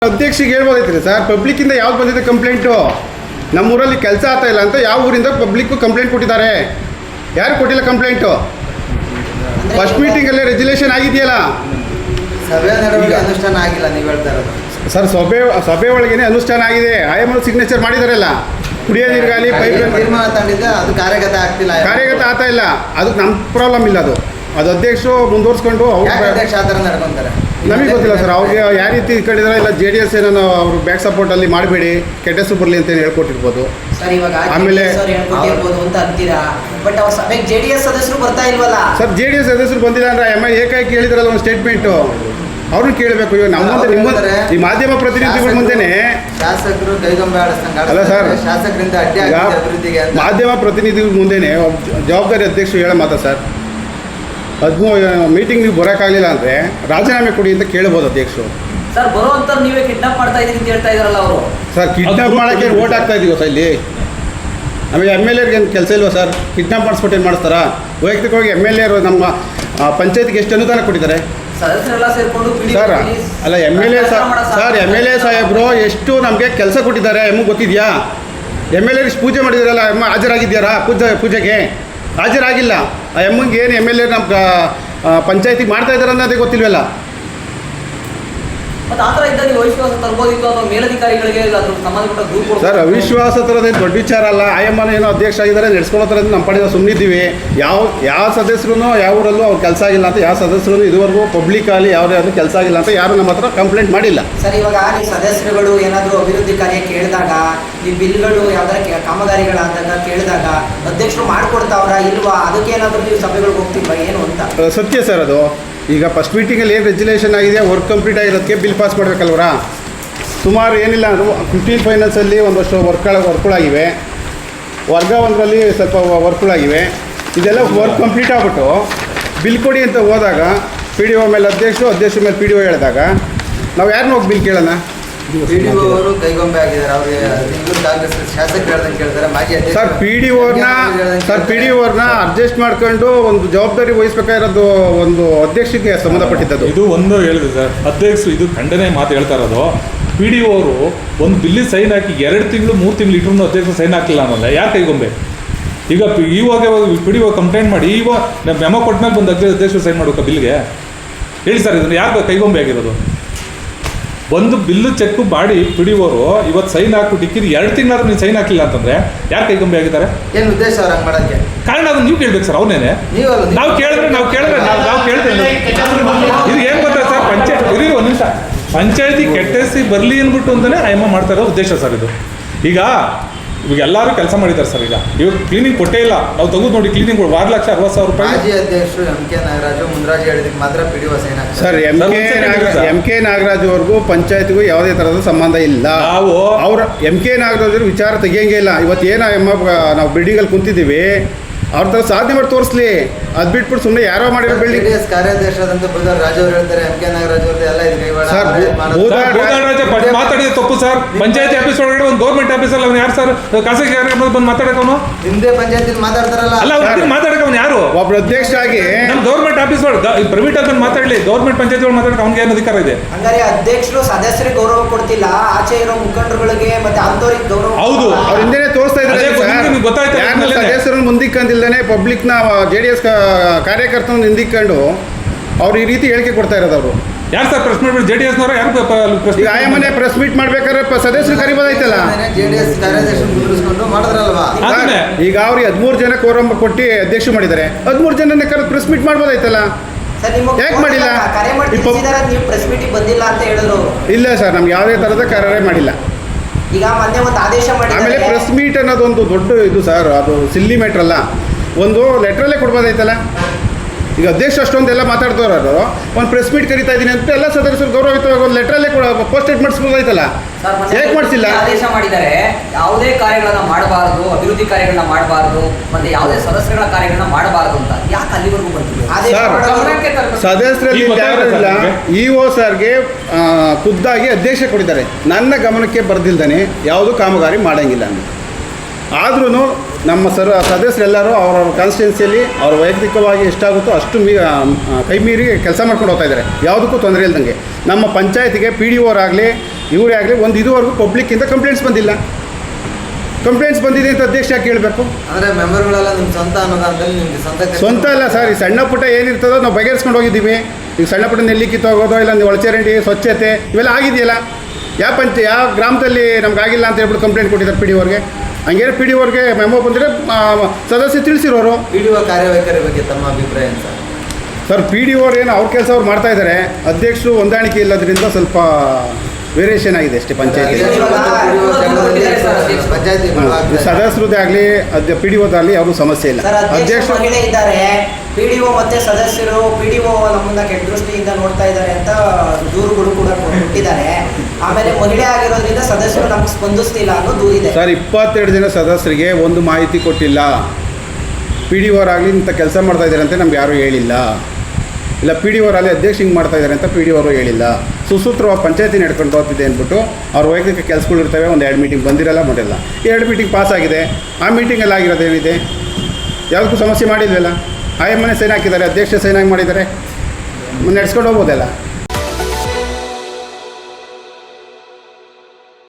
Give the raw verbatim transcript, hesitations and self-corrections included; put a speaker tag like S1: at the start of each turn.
S1: ಅಧ್ಯಕ್ಷಿಗೆ ಹೇಳ್ಬೋದೈತ್ರಿ sir, ಪಬ್ಲಿಕ್ಕಿಂದ ಯಾವ್ದು ಬಂದಿದೆ complaint? ನಮ್ಮೂರಲ್ಲಿ ಕೆಲಸ ಆಗ್ತಾ ಇಲ್ಲ ಅಂತ ಯಾವ ಊರಿಂದ ಪಬ್ಲಿಕ್ಕು ಕಂಪ್ಲೇಂಟ್ ಕೊಟ್ಟಿದ್ದಾರೆ? ಯಾರು ಕೊಟ್ಟಿಲ್ಲ ಕಂಪ್ಲೇಂಟು? ಫಸ್ಟ್ ಮೀಟಿಂಗಲ್ಲೇ ರೆಜುಲೇಷನ್ ಆಗಿದೆಯಲ್ಲ,
S2: ಸಭೆ ನಡವಳಿಕೆ ಅನುಷ್ಠಾನ ಆಗಿಲ್ಲ ನೀವು ಹೇಳ್ತಾ ಇರೋದು
S1: ಸರ್. ಸಭೆ ಸಭೆ ಒಳಗೇನೆ ಅನುಷ್ಠಾನ ಆಗಿದೆ. ಐ ಎಮ್ ಸಿಗ್ನೇಚರ್ ಮಾಡಿದಾರಲ್ಲ, ಕುಡಿಯೋ ನೀರಿಗಾಲಿ ಪೈಪ್
S2: ತೀರ್ಮಾನ ತಗೊಂಡಿದ್ದೆ, ಅದು ಕಾರ್ಯಗತ ಆಗ್ತಿಲ್ಲ,
S1: ಕಾರ್ಯಗತ ಆಗ್ತಾ ಇಲ್ಲ. ಅದಕ್ಕೆ ನಮ್ಮ ಪ್ರಾಬ್ಲಮ್ ಇಲ್ಲ, ಅದು ಅದು ಅಧ್ಯಕ್ಷರು ಮುಂದುವರ್ಸ್ಕೊಂಡು
S2: ಅಧ್ಯಕ್ಷ ಆ ಥರ ನಡ್ಕೊಂತಾರೆ.
S1: ನಮಗೆ ಗೊತ್ತಿಲ್ಲ ಸರ್, ಅವ್ರಿಗೆ ಯಾವ ರೀತಿ ಇಟ್ಕೊಂಡಿದ್ದಾರೆ. ಇಲ್ಲ ಜೆ ಡಿ ಎಸ್ ಏನೋ ಅವರು ಬ್ಯಾಕ್ ಸಪೋರ್ಟಲ್ಲಿ ಮಾಡಬೇಡಿ, ಕೆಟ್ಟ ಹೆಸರು ಬರಲಿ ಅಂತ ಹೇಳ್ಕೊಟ್ಟಿರ್ಬೋದು.
S3: ಸರ್ ಇವಾಗ
S1: ಆಮೇಲೆ
S3: ಹೇಳ್ಕೊಟ್ಟಿರ್ಬೋದು ಅಂತ ಅಂತೀರಾ, ಬಟ್ ಅವ್ರ ಸಭೆಗೆ ಜೆ ಡಿ ಎಸ್ ಸದಸ್ಯರು ಬರ್ತಾ ಇಲ್ವಲ್ಲ
S1: ಸರ್. ಜೆ ಡಿ ಎಸ್ ಸದಸ್ಯರು ಬಂದಿಲ್ಲ ಅಂದ್ರೆ ಎಮ್ ಐ ಏಕಾಏಕಿ ಹೇಳಿದ್ರಲ್ಲ ಒಂದು ಸ್ಟೇಟ್ಮೆಂಟು, ಅವ್ರನ್ನ ಕೇಳಬೇಕು. ಇವಾಗ ನಮ್ಮ ಮುಂದೆ ನಿಮ್ಮ ಈ ಮಾಧ್ಯಮ ಪ್ರತಿನಿಧಿಗಳ ಮುಂದೆನೆ
S2: ಶಾಸಕರು ಕೈಗೊಂಬೆ ಆಡಿಸ್ದಂಗೆ
S1: ಅಲ್ಲ ಸರ್,
S2: ಶಾಸಕರಿಂದ ಅಡ್ಡಿ ಅಭಿವೃದ್ಧಿಗೆ
S1: ಮಾಧ್ಯಮ ಪ್ರತಿನಿಧಿಗಳ ಮುಂದೆನೆ ಜವಾಬ್ದಾರಿ ಅಧ್ಯಕ್ಷರು ಹೇಳೋ ಮಾತಾ ಸರ್. ಹದಿಮೂರು ಮೀಟಿಂಗ್ ನೀವು ಬರೋಕ್ಕಾಗಲಿಲ್ಲ ಅಂದರೆ ರಾಜೀನಾಮೆ ಕೊಡಿ ಅಂತ ಕೇಳ್ಬೋದು ಅಧ್ಯಕ್ಷರು.
S3: ಸರ್ ಬರುವಂತ ನೀವೇ ಕಿಡ್ನಾಪ್ ಮಾಡ್ತಾ ಇದೀರಿ ಅಂತ ಹೇಳ್ತಾ ಇದಾರಲ್ಲ ಅವರು.
S1: ಸರ್ ಕಿಡ್ನಾಪ್ ಮಾಡೋಕ್ಕೆ ಓಟ್ ಹಾಕ್ತಾ ಇದೀವಿ ಸರ್ ಇಲ್ಲಿ. ಆಮೇಲೆ ಎಮ್ ಎಲ್ ಎರ್ಗೆ ಏನು ಕೆಲಸ ಇಲ್ವಾ ಸರ್? ಕಿಡ್ನಾಪ್ ಮಾಡಿಸ್ಬಿಟ್ಟು ಏನು ಮಾಡಿಸ್ತಾರಾ? ವೈಯಕ್ತಿಕವಾಗಿ ಎಮ್ ಎಲ್ ಎರು ನಮ್ಮ ಪಂಚಾಯತ್ಗೆ ಎಷ್ಟು ಅನುದಾನ ಕೊಟ್ಟಿದ್ದಾರೆ
S3: ಸದಸ್ಯರೆಲ್ಲ ಸೇರ್ಕೊಂಡು
S1: ಸರ್? ಅಲ್ಲ M L A sir, M L A ಸಾಹೇಬರು ಎಷ್ಟು ನಮಗೆ ಕೆಲಸ ಕೊಟ್ಟಿದ್ದಾರೆ ಎಮ್ಮಗೆ ಗೊತ್ತಿದೆಯಾ? ಎಮ್ ಎಲ್ ಎ ಪೂಜೆ ಮಾಡಿದಾರಲ್ಲ, ಎಮ್ಮ ಹಾಜರಾಗಿದ್ದಾರಾ ಪೂಜೆ ಪೂಜೆಗೆ? ಹಾಜರಾಗಿಲ್ಲ. ಆ ಎಮ್ಮಗೆ ಏನು ಎಮ್ ಎಲ್ ಎ ನಮ್ಮ ಪಂಚಾಯತಿಗೆ ಮಾಡ್ತಾ ಇದ್ದಾರೆ ಅನ್ನೋದೇ ಗೊತ್ತಿಲ್ವಲ್ಲ. ಸರ್ ಅವಿಶ್ವಾಸ ತರೋದೇನು ದೊಡ್ಡ ವಿಚಾರ ಅಲ್ಲ. ಆಯಮ್ಮನ ಏನೋ ಅಧ್ಯಕ್ಷ ಆಗಿದ್ದಾರೆ, ನಡೆಸ್ಕೊಳ್ಳೋ ಥರ ನಮ್ಮ ಪಡೆದ ಸುಮ್ಮನಿದ್ದೀವಿ. ಯಾವ ಯಾವ ಸದಸ್ಯರು ಯಾವ ಊರಲ್ಲೂ ಅವ್ರು ಕೆಲಸ ಆಗಿಲ್ಲ ಅಂತ ಯಾವ ಸದಸ್ಯರು ಇದುವರೆಗೂ ಪಬ್ಲಿಕಲ್ಲಿ ಯಾವುದೇ ಯಾವುದು ಕೆಲಸ ಆಗಿಲ್ಲ ಅಂತ ಯಾರು ನಮ್ಮ ಹತ್ರ ಕಂಪ್ಲೇಂಟ್ ಮಾಡಿಲ್ಲ.
S3: ಸರ್ ಇವಾಗ ನೀವು ಸದಸ್ಯರುಗಳು ಏನಾದರೂ ಅಭಿವೃದ್ಧಿ ಕಾರ್ಯ ಕೇಳಿದಾಗ, ಈ ಬಿಲ್ಗಳು ಯಾವ್ದಾರ ಕಾಮಗಾರಿಗಳಾದಾಗ ಕೇಳಿದಾಗ ಅಧ್ಯಕ್ಷರು ಮಾಡಿಕೊಡ್ತಾವ್ರ ಇಲ್ವಾ? ಅದಕ್ಕೇನಾದರೂ ನೀವು ಸಭೆಗಳಿಗೆ ಹೋಗ್ತಿಲ್ವಾ ಏನು ಅಂತ?
S1: ಸತ್ಯ ಸರ್ ಅದು. ಈಗ ಫಸ್ಟ್ ಮೀಟಿಂಗಲ್ಲಿ ಏನು ರೆಜುಲೇಷನ್ ಆಗಿದೆ, ವರ್ಕ್ ಕಂಪ್ಲೀಟ್ ಆಗಿರೋದಕ್ಕೆ ಬಿಲ್ ಪಾಸ್ ಮಾಡಬೇಕಲ್ವರ. ಸುಮಾರು ಏನಿಲ್ಲ ಅಂದರೂ ಫಿಫ್ಟೀನ್ ಫೈನಾನ್ಸಲ್ಲಿ ಒಂದಷ್ಟು ವರ್ಕ್ಗಳ ವರ್ಕ್ಗಳಾಗಿವೆ, ವರ್ಗ ಒಂದರಲ್ಲಿ ಸ್ವಲ್ಪ ವರ್ಕ್ಗಳಾಗಿವೆ. ಇದೆಲ್ಲ ವರ್ಕ್ ಕಂಪ್ಲೀಟ್ ಆಗಿಬಿಟ್ಟು ಬಿಲ್ ಕೊಡಿ ಅಂತ ಹೋದಾಗ ಪಿ ಡಿ ಒ ಮೇಲೆ ಅಧ್ಯಕ್ಷರು, ಅಧ್ಯಕ್ಷರ ಮೇಲೆ ಪಿ ಡಿ ಒ ಹೇಳಿದಾಗ ನಾವು ಯಾರನ್ನ ಹೋಗಿ ಬಿಲ್ ಕೇಳೋಣ?
S2: ಪಿ ಡಿ ಒ ಅವರು ಕೈಗೊಂಬೆ ಆಗಿದ್ದಾರೆ. ಅವ್ರಿಗೆ ಕಾಂಗ್ರೆಸ್ ಶಾಸಕರು ಹೇಳ್ದಂಗೆ ಕೇಳ್ತಾರೆ. ಮಾಜಿ ಅಧ್ಯಕ್ಷ
S1: ಸರ್ ಪಿ ಡಿ ಒರ್ನ ಸರ್ ಪಿ ಡಿ ಒರ್ನ ಅಡ್ಜಸ್ಟ್ ಮಾಡ್ಕೊಂಡು ಒಂದು ಜವಾಬ್ದಾರಿ ವಹಿಸ್ಬೇಕಾಗಿರೋದು ಒಂದು ಅಧ್ಯಕ್ಷಕ್ಕೆ ಸಂಬಂಧಪಟ್ಟಿದ್ದು.
S4: ಇದು ಒಂದು ಹೇಳಿದೆ ಸರ್, ಅಧ್ಯಕ್ಷರು ಇದು ಖಂಡನೆ ಮಾತು ಹೇಳ್ತಾ ಇರೋದು. ಪಿ ಡಿ ಒ ಅವರು ಒಂದು ಬಿಲ್ಲಿ ಸೈನ್ ಹಾಕಿ ಎರಡು ತಿಂಗಳು ಮೂರು ತಿಂಗಳು ಇಟ್ರು ಅಧ್ಯಕ್ಷರು ಸೈನ್ ಹಾಕಿಲ್ಲ ಅನ್ನೋಲ್ಲ. ಯಾರು ಕೈಗೊಂಬೆ? ಈಗ ಇವಾಗ ಪಿ ಡಿ ಒ ಕಂಪ್ಲೇಂಟ್ ಮಾಡಿ ಇವಾಗ ಮೆಮೊ ಕೊಟ್ಮೇಲೆ ಬಂದು ಅಧ್ಯಕ್ಷರು ಸೈನ್ ಮಾಡ್ಬೇಕಾ ಬಿಲ್ಗೆ? ಹೇಳಿ ಸರ್, ಇದನ್ನು ಯಾಕೆ ಕೈಗೊಂಬೆ ಆಗಿರೋದು? ಒಂದು ಬಿಲ್ಲು ಚೆಕ್ ಮಾಡಿ ಪಿ ಡಿ ಒರು ಇವತ್ತು ಸೈನ್ ಹಾಕ್ಬಿಟ್ಟು ಇಕ್ಕಿರಿ ಎರಡು ತಿಂಗಳಾದ್ರೂ ನೀವು ಸೈನ್ ಹಾಕಿಲ್ಲ ಅಂತಂದ್ರೆ ಯಾರು ಕೈಗೊಂಬೆ ಆಗಿದ್ದಾರೆ?
S2: ಏನು ಉದ್ದೇಶ ಅವ್ರು ಹಂಗೆ ಮಾಡೋಕ್ಕೆ?
S4: ಕಾರಣ ಅದನ್ನು ನೀವು ಕೇಳ್ಬೇಕು ಸರ್. ಅವನೇನೆ ನಾವು ಕೇಳಿದ್ರೆ ನಾವು ಕೇಳಿದ್ರೆ ನಾವು ನಾವು ಕೇಳ್ತೇವೆ. ಇದು ಏನು ಗೊತ್ತಾ ಸರ್, ಪಂಚಾಯತ್ ಇರಿ ಒಂದು ನಿಮಿಷ, ಪಂಚಾಯತಿ ಕೆಟ್ಟಸಿ ಬರಲಿ ಅಂದ್ಬಿಟ್ಟು ಅಂತಲೇ ಆಯಮ್ಮ ಮಾಡ್ತಾ ಇರೋ ಉದ್ದೇಶ ಸರ್ ಇದು. ಈಗ ಇವಾಗ ಎಲ್ಲರೂ ಕೆಲಸ ಮಾಡಿದ್ದಾರೆ ಸರ್. ಈಗ ಇವಾಗ ಕ್ಲೀನಿಂಗ್ ಕೊಟ್ಟೇ ಇಲ್ಲ. ನಾವು ತೆಗೆದು ನೋಡಿ ಕ್ಲೀನಿಂಗ್ ಆರು ಲಕ್ಷ ಅರವತ್ತು ಸಾವಿರ ರೂಪಾಯಿ.
S2: ಮಾಜಿ ಅಧ್ಯಕ್ಷರು ಎಂ ಕೆ ನಾಗರಾಜು ಮುಂದ್ರಾಜು ಹೇಳಿದಕ್ಕೆ ಮಾತ್ರ ಪಿ ಡಿ ಒ ಸೈನ್ ಹಾಕ್ತಾರೆ
S1: sir. M K Nagaraj M K Nagaraj ಅವ್ರಿಗೂ ಪಂಚಾಯತ್ಗೂ ಯಾವುದೇ ಥರದ ಸಂಬಂಧ ಇಲ್ಲ. ನಾವು ಅವ್ರ ಎಂ ಕೆ ನಾಗರಾಜ್ ವಿಚಾರ ತೆಗಿಯಂಗೆ ಇಲ್ಲ. ಇವತ್ತು ಏನೋ ಎಮ್ಮ ನಾವು ಬಿಲ್ಡಿಂಗಲ್ಲಿ ಕುಂತಿದ್ದೀವಿ, ಅವ್ರ ಥರ ಸಾಧನೆ ಮಾಡಿ ತೋರಿಸ್ಲಿ. ಅದು ಬಿಟ್ಬಿಟ್ಟು ಸುಮ್ಮನೆ ಯಾರೋ ಮಾಡಿರೋ ಬಿಲ್ಡಿಂಗ್.
S2: ಜೆಡಿಎಸ್ ಕಾರ್ಯಾಧ್ಯಕ್ಷರಾದಂಥ ಬುಧವಾರ ರಾಜು ಅವರು ಹೇಳ್ತಾರೆ ಎಂ ಕೆ ನಾಗರಾಜ್ ಅವ್ರದ್ದು ಎಲ್ಲ ಇದೆ
S4: ಮಾತಾಡಿದ ತಪ್ಪು ಸರ್. ಪಂಚಾಯತಿ ಆಫೀಸ್ ಒಳಗಡೆ ಒಂದು ಗೌರ್ಮೆಂಟ್ ಆಫೀಸಲ್ಲಿ ಅವ್ನು ಯಾರು ಸರ್ ಖಾಸಗಿ ಕಾರ್ಯಕ್ರಮದಲ್ಲಿ ಬಂದು ಮಾತಾಡೋನು?
S2: ನಿಮ್ದೇ ಪಂಚಾಯತಿ ಮಾತಾಡ್ತಾರಲ್ಲ,
S4: ಅಲ್ಲ ಅವ್ರಿಗೆ ಮಾತಾಡಕ್ಕೆ ಅವ್ನು ಯಾರು?
S1: ಒಬ್ರು ಅಧ್ಯಕ್ಷ ಆಗಿ
S4: ನಮ್ಮ ಗೌರ್ಮೆಂಟ್ ಆಫೀಸ್ ಒಳಗೆ ಪ್ರೈವೇಟ್ ಆಗಿ ಮಾತಾಡಲಿ, ಗೌರ್ಮೆಂಟ್ ಪಂಚಾಯತಿ ಒಳಗೆ ಮಾತಾಡಕ್ಕೆ ಅವ್ನಿಗೆ ಏನು ಅಧಿಕಾರ ಇದೆ?
S3: ಹಂಗಾರೆ ಅಧ್ಯಕ್ಷರು ಸದಸ್ಯರಿಗೆ ಗೌರವ ಕೊಡ್ತಿಲ್ಲ, ಆಚೆ ಇರೋ ಮುಖಂಡರುಗಳಿಗೆ ಮತ್ತೆ ಅಂತವ್ರಿಗೆ ಗೌರವ.
S4: ಹೌದು,
S1: ಅವ್ರ ಹಿಂದೆ ತೋರಿಸ್ತಾ ಇದ್ದಾರೆ.
S4: ಗೊತ್ತಾಯ್ತು,
S1: ಸದಸ್ಯರನ್ನು ಮುಂದಿಕ್ಕಂದಿಲ್ಲದೆ ಪಬ್ಲಿಕ್ನ ಜೆ ಡಿ ಎಸ್ ಕಾರ್ಯಕರ್ತನ ಹಿಂದಿಕ್ಕೊಂಡು ಅವ್ರು ಈ ರೀತಿ ಹೇಳಿಕೆ ಕೊಡ್ತಾ ಇರೋದು. ಅವರು
S4: ಯಾರು sir press meet? J D ಎಸ್ನವರು ಯಾರು?
S1: ಈಗ ಆಯಮ್ಮನೆ ಪ್ರೆಸ್ ಮೀಟ್ ಮಾಡ್ಬೇಕಾದ್ರೆ ಸದಸ್ಯರು ಕರಿಬೋದಾಯ್ತಲ್ಲ.
S2: ಜೆಡಿಎಸ್ ಕಾರ್ಯಾಧ್ಯಕ್ಷರು ಮುಂದುವರಿಸಿಕೊಂಡು ಮಾಡಿದ್ರಲ್ವಾ?
S1: ಈಗ ಅವ್ರಿಗೆ ಹದಿಮೂರು ಜನ ಕೋರಂ ಕೊಟ್ಟು ಅಧ್ಯಕ್ಷ ಮಾಡಿದ್ದಾರೆ. ಹದಿಮೂರು ಜನನೇ ಕರೆದು ಪ್ರೆಸ್ ಮೀಟ್ ಮಾಡ್ಬೋದಾಯ್ತಲ್ಲ, ಯಾಕೆ ಮಾಡಿಲ್ಲ?
S3: ನೀವು ಪ್ರೆಸ್ ಮೀಟಿಗೆ ಬಂದಿಲ್ಲ ಅಂತ ಹೇಳಿದ್ರು.
S1: ಇಲ್ಲ ಸರ್, ನಮ್ಗೆ ಯಾವುದೇ ಥರದ ಕಾರ್ಯ ಮಾಡಿಲ್ಲ.
S3: ಈಗ ಮೊನ್ನೆ ಒಂದು ಆದೇಶ ಮಾಡಿ
S1: ಆಮೇಲೆ ಪ್ರೆಸ್ ಮೀಟ್ ಅನ್ನೋದೊಂದು ದೊಡ್ಡ ಇದು ಸರ್, ಅದು ಸಿಲ್ಲಿ ಮ್ಯಾಟ್ರ್ ಅಲ್ಲ. ಒಂದು ಲೆಟ್ರಲ್ಲೇ ಕೊಡ್ಬೋದಾಯ್ತಲ್ಲ. ಈಗ ಅಧ್ಯಕ್ಷ ಅಷ್ಟೊಂದೆಲ್ಲ ಮಾತಾಡ್ತವ್ರು, ಒಂದು ಪ್ರೆಸ್ ಮೀಟ್ ಕರಿತಾ ಇದ್ದೀನಿ ಅಂತ ಎಲ್ಲ ಸದಸ್ಯರು ಗೌರವಯುತವಾಗಿ ಒಂದು ಲೆಟ್ರಲ್ಲೇ ಪೋಸ್ಟೆಡ್ ಮಾಡಿಸ್ಬೋದಾಯ್ತಲ್ಲ, ಯಾಕೆ ಮಾಡಿಸಿಲ್ಲ?
S3: ಆದೇಶ ಮಾಡಿದ್ದಾರೆ, ಯಾವುದೇ ಕಾರ್ಯಗಳನ್ನ ಮಾಡಬಾರದು, ಅಭಿವೃದ್ಧಿ ಕಾರ್ಯಗಳನ್ನ ಮಾಡಬಾರದು, ಮತ್ತೆ ಯಾವುದೇ ಸದಸ್ಯರ ಕಾರ್ಯಗಳನ್ನ ಮಾಡಬಾರದು ಅಂತ ಯಾಕೆ ಅಲ್ಲಿವರೆಗೂ ಬಂದಿದೆ?
S1: ಸದಸ್ಯರಲ್ಲಿ ಯಾರಿಲ್ಲ. ಇ ಒ ಸರ್ಗೆ ಖುದ್ದಾಗಿ ಅಧ್ಯಕ್ಷ ಕೊಟ್ಟಿದ್ದಾರೆ. ನನ್ನ ಗಮನಕ್ಕೆ ಬರ್ದಿಲ್ದಾನೆ ಯಾವುದು ಕಾಮಗಾರಿ ಮಾಡಂಗಿಲ್ಲ ಅಂತ. ಆದ್ರೂ ನಮ್ಮ ಸರ್ ಸದಸ್ಯರೆಲ್ಲರೂ ಅವರವ್ರ ಕಾನ್ಸ್ಟಿಟ್ಯೂನ್ಸಿಯಲ್ಲಿ ಅವ್ರ ವೈಯಕ್ತಿಕವಾಗಿ ಎಷ್ಟಾಗುತ್ತೋ ಅಷ್ಟು ಮೀ ಕೈ ಮೀರಿ ಕೆಲಸ ಮಾಡ್ಕೊಂಡು ಹೋಗ್ತಾ ಇದ್ದಾರೆ. ಯಾವುದಕ್ಕೂ ತೊಂದರೆ ಇಲ್ದಂಗೆ ನಮ್ಮ ಪಂಚಾಯತಿಗೆ ಪಿ ಡಿ ಒರಾಗಲಿ ಇವರೇ ಆಗಲಿ ಒಂದು ಇದುವರೆಗೂ ಪಬ್ಲಿಕ್ಕಿಂದ ಕಂಪ್ಲೇಂಟ್ಸ್ ಬಂದಿಲ್ಲ. ಕಂಪ್ಲೇಂಟ್ಸ್ ಬಂದಿದೆ ಅಂತ ಅಧ್ಯಕ್ಷ ಯಾಕೆ ಕೇಳಬೇಕು?
S2: ಅಂದರೆ ಮೆಂಬರ್ಗಳೆಲ್ಲ ನಿಮ್ಮ ಸ್ವಂತ ಅನ್ನೋದಾದಲ್ಲಿ ನಿಮಗೆ ಸ್ವಂತ
S1: ಸ್ವಂತ ಅಲ್ಲ ಸರ್, ಈ ಸಣ್ಣ ಪುಟ್ಟ ಏನಿರ್ತದೋ ನಾವು ಬಗೆಹರಿಸ್ಕೊಂಡು ಹೋಗಿದ್ದೀವಿ. ಈಗ ಸಣ್ಣ ಪುಟ್ಟ ನೆಲ್ಲಿ ಕಿತ್ತೋಗೋದು, ಇಲ್ಲ ಒಳಚರಂಡಿ ಸ್ವಚ್ಛತೆ ಇವೆಲ್ಲ ಆಗಿದೆಯಲ್ಲ. ಯಾವ ಪಂಚ ಯಾವ ಗ್ರಾಮದಲ್ಲಿ ನಮ್ಗೆ ಆಗಿಲ್ಲ ಅಂತ ಹೇಳ್ಬಿಟ್ಟು ಕಂಪ್ಲೇಂಟ್ ಕೊಟ್ಟಿದ್ದಾರೆ ಪಿ ಡಿ ಅವ್ರಿಗೆ. ಹಂಗೇನು ಪಿ ಡಿ ಅವ್ರಿಗೆ ಮೆಮೊ ಬಂದರೆ ಸದಸ್ಯರು ತಿಳಿಸಿರೋರು.
S2: ಪಿ ಡಿ ಒ ಕಾರ್ಯವೈಖರಿ ಬಗ್ಗೆ ತಮ್ಮ ಅಭಿಪ್ರಾಯ ಏನು ಸರ್?
S1: ಸರ್ ಪಿ ಡಿ ಅವ್ರು ಏನು ಅವ್ರ ಕೆಲಸ ಅವ್ರು ಮಾಡ್ತಾ ಇದ್ದಾರೆ. ಅಧ್ಯಕ್ಷರು ಹೊಂದಾಣಿಕೆ ಇಲ್ಲದ್ರಿಂದ ಸ್ವಲ್ಪ ವೇರಿಯೇಷನ್ ಆಗಿದೆ ಅಷ್ಟೇ ಪಂಚಾಯತಿ.
S2: ಪಂಚಾಯತಿ
S1: ಸದಸ್ಯರದ್ದೇ ಆಗಲಿ ಅದ ಪಿ ಡಿ ಓದಾಗಲಿ ಯಾವುದು ಸಮಸ್ಯೆ ಇಲ್ಲ.
S3: ಸರ್ ಅಧ್ಯಕ್ಷ
S1: ಅಧ್ಯಕ್ಷರು
S3: ಮಹಿಳೆ ಇದ್ದಾರೆ, ಪಿ ಡಿ ಒ ಮತ್ತೆ ಸದಸ್ಯರು ಪಿ ಡಿ ಒ ನಮ್ಮನ್ನ ಕೆಟ್ಟ ದೃಷ್ಟಿಯಿಂದ ನೋಡ್ತಾ ಇದ್ದಾರೆ ಅಂತ ದೂರುಗಳು ಕೂಡ ಕೊಟ್ಟಿದ್ದಾರೆ. ಆಮೇಲೆ ಮಹಿಳೆ ಆಗಿರೋದ್ರಿಂದ ಸದಸ್ಯರು ನಮ್ಗೆ ಸ್ಪಂದಿಸ್ತಿಲ್ಲ ಅನ್ನೋ ದೂರಿದೆ.
S1: ಸರ್ ಇಪ್ಪತ್ತೆರಡು ಜನ ಸದಸ್ಯರಿಗೆ ಒಂದು ಮಾಹಿತಿ ಕೊಟ್ಟಿಲ್ಲ. ಪಿ ಡಿ ಓರಾಗಲಿ ಇಂಥ ಕೆಲಸ ಮಾಡ್ತಾ ಇದ್ದಾರೆ ಅಂತ ನಮ್ಗೆ ಯಾರೂ ಹೇಳಿಲ್ಲ. ಇಲ್ಲ ಪಿ ಡಿ ಓರಲ್ಲಿ ಅಧ್ಯಕ್ಷ ಹಿಂಗೆ ಮಾಡ್ತಾ ಇದ್ದಾರೆ ಅಂತ ಪಿ ಡಿ ಅವರು ಹೇಳಿಲ್ಲ. ಸುಸೂತ್ರವಾಗಿ ಪಂಚಾಯತಿ ನಡ್ಕೊಂಡು ಹೋಗ್ತಿದೆ ಅಂದ್ಬಿಟ್ಟು ಅವ್ರ ವೈಯಕ್ತಿಕ ಕೆಲಸಗಳು ಇರ್ತವೆ. ಒಂದು ಎರಡು ಮೀಟಿಂಗ್ ಬಂದಿರಲ್ಲ ಮಾಡಿಲ್ಲ. ಎರಡು ಮೀಟಿಂಗ್ ಪಾಸ್ ಆಗಿದೆ. ಆ ಮೀಟಿಂಗಲ್ಲಿ ಆಗಿರೋದು ಏನಿದೆ? ಯಾವುದಕ್ಕೂ ಸಮಸ್ಯೆ ಮಾಡಿಲ್ವಲ್ಲ. ಆಯಮ್ಮನೆ ಸೈನ್ ಹಾಕಿದ್ದಾರೆ, ಅಧ್ಯಕ್ಷ ಸೈನ್ ಹಾಕಿ ಮಾಡಿದ್ದಾರೆ, ನಡೆಸ್ಕೊಂಡು ಹೋಗ್ಬೋದಲ್ಲ.